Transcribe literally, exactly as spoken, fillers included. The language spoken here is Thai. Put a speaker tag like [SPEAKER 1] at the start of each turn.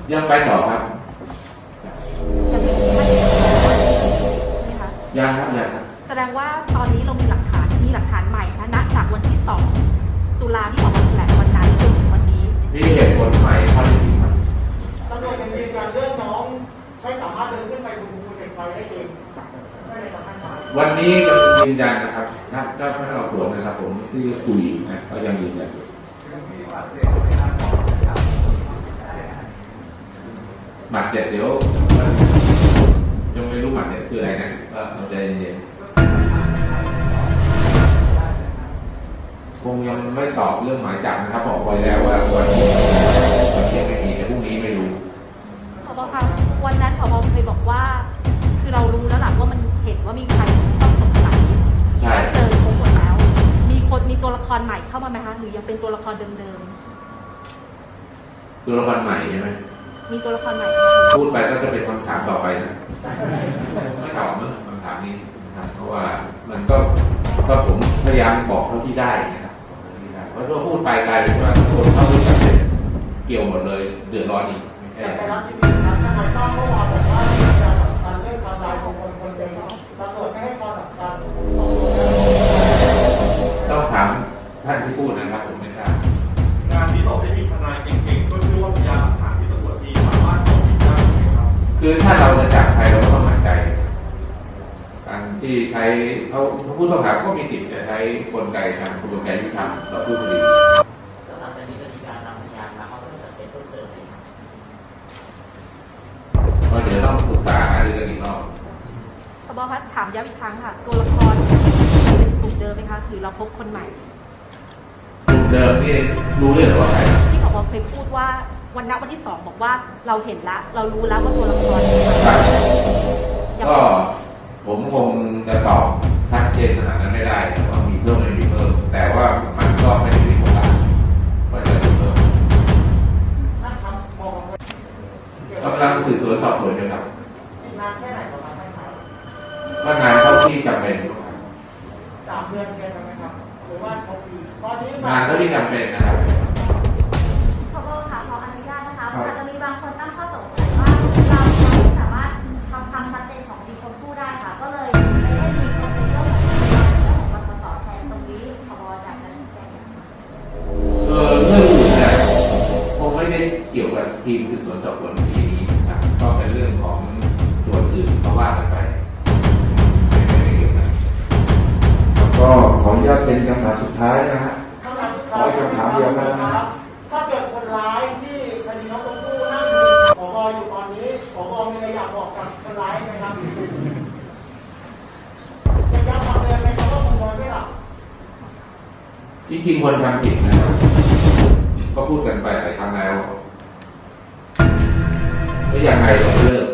[SPEAKER 1] ยังไปต่อครับยังครับยังครับ
[SPEAKER 2] แสดงว่าตอนนี้เรามีหลักฐานมีหลักฐานใหม่นะณจากวันที่สองตุลาที่ออกมาแถลงวันนั้นจนถึงวันนี้
[SPEAKER 1] มีเหตุผลใหม่ข้อที่จริงครับ
[SPEAKER 3] ตำรวจยังยืนยันเรื่องน้องไม่สามารถเดินขึ้นไปบนภูเหล็กไฟได้เองใช่ไหมครับท่าน
[SPEAKER 1] วันนี้ยังยืนยันนะครับถ้าเจ้าพนักงานสวนนะครับผมที่คุยนะก็ยังยืนยันหมัดเจ็ดเดี๋ยวยังไม่รู้หมัดเนี่ยคืออะไรนะก็เราใจเย็นๆคงยังไม่ตอบเรื่องหมายจับนะครับบอกไว้แล้วว่าวันนี้วันนี้ไม่มีแต่พรุ่งนี้ไม่รู้
[SPEAKER 2] ผบ.คะวันนั้นผบ.เคยบอกว่าคือเรารู้แล้วหลักว่ามันเห็นว่ามีใครต้องสงสัยและเจอครบหมดแล้วมีคนมีตัวละครใหม่เข้ามาไหมคะหรือยังเป็นตัวละครเดิม
[SPEAKER 1] ๆตัวละครใหม่ใช่ไหม
[SPEAKER 2] มีตัวละครใหม่
[SPEAKER 1] พูดไปก็จะเป็นคำถามต่อไปนะไม่ตอบเมื่อคำถามนี้นะครับเพราะว่ามันก็ก็ผมพยายามบอกเท่าที่ได้นะครับเพราะถ้าพูดไปกลายเป็นว่าคนเข้ารู้จักเกี่ยวหมดเลยเดือดร้อนอีก
[SPEAKER 3] แต่ไปรับที่ผิดครับทนายตั้มเมื่อวานบอกว่ามีการสำคัญเรื่องการตายของคนคนเดียวตำรวจไม่ให้ความสำคัญ
[SPEAKER 1] ต้องถามท่านที่พูดนะครับผมไม่ทราบ
[SPEAKER 4] งานที่บอกให้มีทนายเก่งๆก็ชื่อว่าพยานหลักฐานที่ตำรวจมีสามารถตอบผิดได้ไหมครับ
[SPEAKER 1] คือถ้าเราจะจับใครเราก็ต้องมั่นใจการที่ใช้เขาผู้ต้องหาก็มีสิทธิ์จะใช้กลไกทางกระบวนการยุติธรรมต่อผู้คดี
[SPEAKER 5] แล้วหลังจากนี้จะมีการนำพยานมาเขาก็จะเป็นเพิ่มเติม
[SPEAKER 1] ก็เดี๋ยวต้องปรึกษาหารือกันอีกรอบ
[SPEAKER 2] ผบ.คะถามย้ำอีกครั้งค่ะตัวละครเป็นกลุ่มเดิมไหมคะหรือเราพบคนใหม่
[SPEAKER 1] กลุ่มเดิมที่รู้เรื่องว่าใคร
[SPEAKER 2] ที่ผบ.เคยพูดว่าวันนัดวันที่สองบอกว่าเราเห็นแล้วเรารู้แล้วว่าตัวละคร
[SPEAKER 1] ก็ผมคงจะตอบชัดเจนขนาดนั้นไม่ได้ว่ามีเพิ่มไม่มีเพิ่มแต่ว่ามันก็ไม่ได้มีผลลัพธ์ว่าจะมีเพิ่มกำลังสืบสวนสอบสวนอยู่ครับ
[SPEAKER 3] นานแค่ไหนประมาณไหนครับ
[SPEAKER 1] ว่างานเท่าที่จำเป็น
[SPEAKER 3] สามเดือนเป็นไหมครับหรือว่าเขาปีตอนนี้
[SPEAKER 1] งานเท่าที่จำเป็นนะครับ
[SPEAKER 6] ผบ.ค่ะขออนุญาตนะคะอาจจะมีบางคนตั้งข้อสงสัยว่าเราไม่สามารถทำความชัดเจนของดีชมพู่ได้ค่ะก็เลยไม่ได้มีคนเป็นเรื่องของเรื่องของปปส.แทนตรงนี้ผบ.จากการแจ้ง
[SPEAKER 1] เออเรื่องอื่นเนี่ยคงไม่ได้เกี่ยวกับทีมสืบสวนสอบสวนทีนี้ครับก็เป็นเรื่องของส่วนอื่นเพราะว่ากันไปไม่ได้เกี่ยวกัน
[SPEAKER 7] ก็ขออนุญาตเป็นคำถามสุดท้ายนะฮะขอคำถามเดียวนะครับ
[SPEAKER 3] ถ้าเกิดคนร้ายที่คดีน้องชมพู่นั่งผบ.อยู่ตอนนี้ผบ.มีอะไรอยากบอกกับคนร้ายไหมครับจะย้ำคำเดิมไหมครับว่าคนร้ายไม่หลับ
[SPEAKER 1] จริงๆคนทำผิดนะครับก็พูดกันไปหลายครั้งแล้วไม่อย่างไรเราเลิก